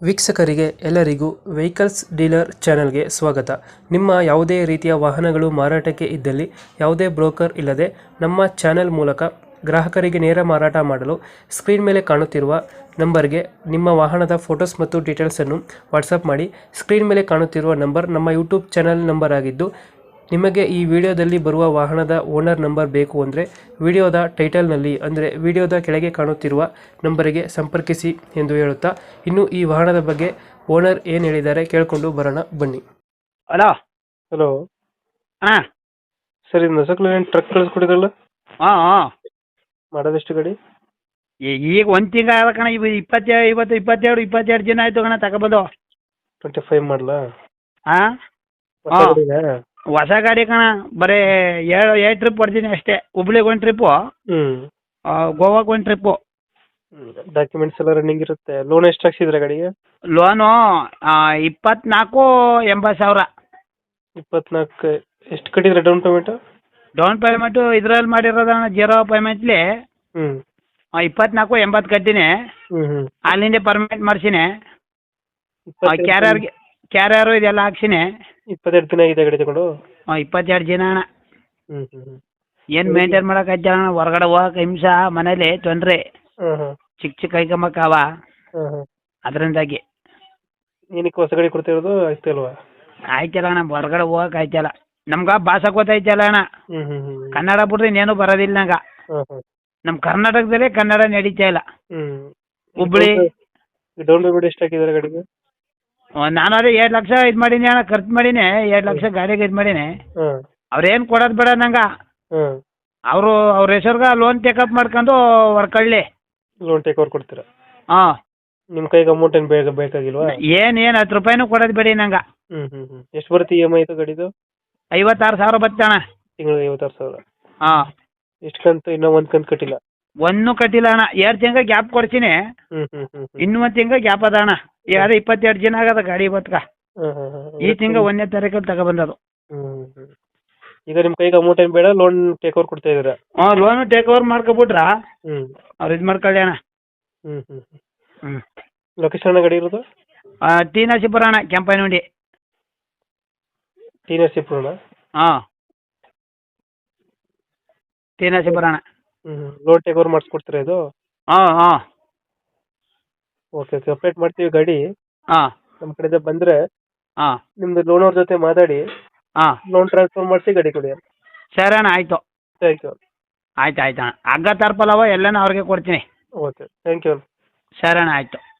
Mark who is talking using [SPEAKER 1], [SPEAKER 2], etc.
[SPEAKER 1] ವೀಕ್ಷಕರಿಗೆ ಎಲ್ಲರಿಗೂ vehicles dealer ಚಾನೆಲ್ಗೆ ಸ್ವಾಗತ. ನಿಮ್ಮ ಯಾವುದೇ ರೀತಿಯ ವಾಹನಗಳು ಮಾರಾಟಕ್ಕೆ ಇದ್ದಲ್ಲಿ ಯಾವುದೇ ಬ್ರೋಕರ್ ಇಲ್ಲದೆ ನಮ್ಮ ಚಾನೆಲ್ ಮೂಲಕ ಗ್ರಾಹಕರಿಗೆ ನೇರ ಮಾರಾಟ ಮಾಡಲು ಸ್ಕ್ರೀನ್ ಮೇಲೆ ಕಾಣುತ್ತಿರುವ ನಂಬರ್ಗೆ ನಿಮ್ಮ ವಾಹನದ ಫೋಟೋಸ್ ಮತ್ತು ಡೀಟೇಲ್ಸನ್ನು ವಾಟ್ಸಪ್ ಮಾಡಿ. ಸ್ಕ್ರೀನ್ ಮೇಲೆ ಕಾಣುತ್ತಿರುವ ನಂಬರ್ ನಮ್ಮ ಯೂಟ್ಯೂಬ್ ಚಾನೆಲ್ ನಂಬರ್ ಆಗಿದ್ದು, ನಿಮಗೆ ಈ ವಿಡಿಯೋದಲ್ಲಿ ಬರುವ ವಾಹನದ ಓನರ್ ನಂಬರ್ ಬೇಕು ಅಂದರೆ ವಿಡಿಯೋದ ಟೈಟಲ್ನಲ್ಲಿ ಅಂದರೆ ವಿಡಿಯೋದ ಕೆಳಗೆ ಕಾಣುತ್ತಿರುವ ನಂಬರಿಗೆ ಸಂಪರ್ಕಿಸಿ ಎಂದು ಹೇಳುತ್ತಾ, ಇನ್ನು ಈ ವಾಹನದ ಬಗ್ಗೆ ಓನರ್ ಏನು ಹೇಳಿದ್ದಾರೆ ಕೇಳಿಕೊಂಡು ಬರೋಣ ಬನ್ನಿ.
[SPEAKER 2] ಹಲೋ.
[SPEAKER 1] ಹಲೋ
[SPEAKER 2] ಹಾಂ
[SPEAKER 1] ಸರ್, ಇದು ನಸಕ್ಲ ಟ್ರಕ್ ಕಳಿಸ್ಕೊಡಿದ್ರಲ್ಲ,
[SPEAKER 2] ಹಾಂ ಹಾಂ
[SPEAKER 1] ಮಾಡೋದೆಷ್ಟು ಗಾಡಿ?
[SPEAKER 2] ಈಗ ಒಂದು ತಿಂಗಳು ಆದ ಕಣ. ಇವತ್ತು 22 ಜನ ಆಯಿತು ಕಣ ತಗೊಬೋದು.
[SPEAKER 1] 25 ಮಾಡಲಾ?
[SPEAKER 2] ಹಾಂ ಹಾಂ ಹೊಸ ಗಾಡಿ ಕಣ. ಬರೀ 7 ಟ್ರಿಪ್ ಹೊಡ್ತೀನಿ ಅಷ್ಟೇ. ಹುಬ್ಳಿಗೆ ಒಂದು ಟ್ರಿಪ್ಪು, ಗೋವಾಗೆ ಒಂದು ಟ್ರಿಪ್ಪು.
[SPEAKER 1] ಡಾಕ್ಯುಮೆಂಟ್ಸ್ ಎಲ್ಲ ರನ್ನಿಂಗ್ ಇರುತ್ತೆ. ಲೋನ್ ಎಷ್ಟು ಹಾಕ್ಸಿದ್ರೆ ಗಾಡಿಗೆ?
[SPEAKER 2] ಲೋನು 24,80,000.
[SPEAKER 1] 24. ಎಷ್ಟು ಕಟ್ಟಿದ್ರೆ ಡೌನ್ ಪೇಮೆಂಟು?
[SPEAKER 2] ಡೌನ್ ಪೇಮೆಂಟು ಇದ್ರಲ್ಲಿ ಮಾಡಿರೋದಣ್ಣ, 0 ಪೇಮೆಂಟ್ಲಿ 24,80 ಕಟ್ಟಿನಿ. ಅಲ್ಲಿಂದ ಪರ್ಮನೆಂಟ್ ಮಾಡಿಸಿನಿ. ಕ್ಯಾರಿಯರು ಇದೆಲ್ಲ ಹಾಕ್ಸಿನಿ.
[SPEAKER 1] 22 ದಿನ ಆಗಿದೆ ಗಾಡಿ ತಗೊಂಡು?
[SPEAKER 2] 22 ಜನ ಅಣ್ಣ. ಏನು ಮೇಂಟೈನ್ ಮಾಡೋಕ್ಕಾಯ್ತು ಅಣ್ಣ. ಹೊರಗಡೆ ಹೋಗಕ್ಕೆ ಹಿಂಸ, ಮನೇಲಿ ತೊಂದರೆ, ಚಿಕ್ಕ ಕೈಕೊಂಬಕ್ಕಾವ, ಅದರಿಂದಾಗಿ.
[SPEAKER 1] ಏನಕ್ಕೆ ಹೊಸ ಗಾಡಿ ಕೊಡ್ತಿರೋದು? ಆಯ್ತಲ್ವಾ?
[SPEAKER 2] ಆಯ್ತಲ್ಲ ಅಣ್ಣ, ಹೊರಗಡೆ ಹೋಗಕ್ಕೆ ಆಯ್ತಲ್ಲ. ನಮ್ಗೆ ಭಾಷೆ ಗೊತ್ತಾಯ್ತಲ್ಲ ಅಣ್ಣ. ಕನ್ನಡ ಬಿಟ್ರೆ ಇನ್ನೇನು ಬರೋದಿಲ್ಲ ನಂಗೆ. ನಮ್ಮ ಕರ್ನಾಟಕದಲ್ಲೇ ಕನ್ನಡ ನಡೀತಾ ಇಲ್ಲ. ಹುಬ್ಳಿ.
[SPEAKER 1] ಡೌನ್ ಪೇಮೆಂಟ್ ಎಷ್ಟು ಹಾಕಿದ್ದಾರೆ ಗಾಡಿಗೆ?
[SPEAKER 2] ನಾನು ಅದೇ 2 ಲಕ್ಷ ಇದು ಮಾಡೀನಿ ಅಣ್ಣ, ಖರ್ಚು ಮಾಡೀನಿ. 2 ಲಕ್ಷ ಗಾಡಿಗೆ ಇದು ಮಾಡೀನಿ. ಅವ್ರೇನು ಕೊಡೋದು ಬೇಡ ನಂಗೆ. ಅವ್ರ ಹೆಸರ್ಗೆ ಲೋನ್ ಟೇಕಪ್ ಮಾಡ್ಕೊಂಡು ಹೊರ್ಕೊಳ್ಳಿ.
[SPEAKER 1] ಲೋನ್ ಟೇಕ್ ಓವರ್ ಕೊಡ್ತೀರಾ?
[SPEAKER 2] ಹಾಂ.
[SPEAKER 1] ನಿಮ್ಮ ಕೈಗೆ ಅಮೌಂಟ್ ಏನು ಬೇಕಾಗಿಲ್ವಾ?
[SPEAKER 2] ಏನು 10 ರೂಪಾಯಿನೂ ಕೊಡೋದು ಬೇಡಿ ನಂಗೆ.
[SPEAKER 1] ಎಷ್ಟು ಬರುತ್ತೆ EMI ಇದು ಗಾಡಿದು?
[SPEAKER 2] 56,000 ಬರುತ್ತೆ ಅಣ್ಣ.
[SPEAKER 1] ತಿಂಗಳಿಗೆ 56,000.
[SPEAKER 2] ಹಾಂ.
[SPEAKER 1] ಎಷ್ಟು ಕಂತು? ಇನ್ನೂ ಒಂದು ಕಂತು ಕಟ್ಟಿಲ್ಲ?
[SPEAKER 2] ಒಂದು ಕಟ್ಟಿಲ್ಲ ಅಣ್ಣ. 2 ತಿಂಗಳು ಗ್ಯಾಪ್ ಕೊಡ್ತೀನಿ. ಇನ್ನೂ 1 ತಿಂಗಳು ಗ್ಯಾಪ್ ಅದ ಅಣ್ಣ. ಈಗ ಅದೇ 22 ಜನ ಆಗದ ಗಾಡಿ ಇವತ್ಗ. ಈ ತಿಂಗಳು 1ನೇ ತಾರೀಕಲ್ಲಿ ತಗೊಬಂದದು.
[SPEAKER 1] ಈಗ ನಿಮ್ಮ ಕೈಗೆ ಅಮೌಂಟ್ ಏನು ಬೇಡ, ಲೋನ್ ಟೇಕ್ ಓವರ್ ಕೊಡ್ತಾ ಇದ್ದೀರಾ?
[SPEAKER 2] ಹಾಂ, ಲೋನು ಟೇಕ್ ಓವರ್ ಮಾಡ್ಕೊಬಿಟ್ರ ಅವ್ರು ಇದು ಮಾಡ್ಕೊಳ್ಳಿ ಅಣ್ಣ.
[SPEAKER 1] ಲೊಕೇಶನ್ ಗಾಡಿ ಇರೋದು?
[SPEAKER 2] ಟಿ ನರಸೀಪುರ ಅಣ್ಣ, ಕೆಂಪನಹುಂಡಿ.
[SPEAKER 1] ಟಿ ನರಸೀಪುರನ?
[SPEAKER 2] ಹಾಂ, ಟಿ ನರಸೀಪುರ ಅಣ್ಣ.
[SPEAKER 1] ಲೋನ್ ಟೇಕ್ ಓವರ್ ಮಾಡಿಸ್ಕೊಡ್ತೀರಾ ಇದು?
[SPEAKER 2] ಹಾಂ ಹಾಂ.
[SPEAKER 1] ಓಕೆ, ಅಪ್ಡೇಟ್ ಮಾಡ್ತೀವಿ ಗಾಡಿ.
[SPEAKER 2] ಹಾಂ.
[SPEAKER 1] ನಮ್ಮ ಕಡೆಯಿಂದ ಬಂದರೆ
[SPEAKER 2] ಹಾಂ,
[SPEAKER 1] ನಿಮ್ಮದು ಲೋನ್ ಅವ್ರ ಜೊತೆ ಮಾತಾಡಿ
[SPEAKER 2] ಹಾಂ,
[SPEAKER 1] ಲೋನ್ ಟ್ರಾನ್ಸ್ಫರ್ ಮಾಡಿಸಿ ಗಾಡಿ ಕೊಡಿ.
[SPEAKER 2] ಸರಿ ಅಣ್ಣ, ಆಯಿತು.
[SPEAKER 1] Thank you.
[SPEAKER 2] ಆಯ್ತು ಅಣ್ಣ. ಹಗ್ಗ ತರ್ಪಲ್ಲವ ಎಲ್ಲನೂ ಅವ್ರಿಗೆ ಕೊಡ್ತೀನಿ.
[SPEAKER 1] Okay, thank you.
[SPEAKER 2] ಸರಿ ಅಣ್ಣ, ಆಯಿತು.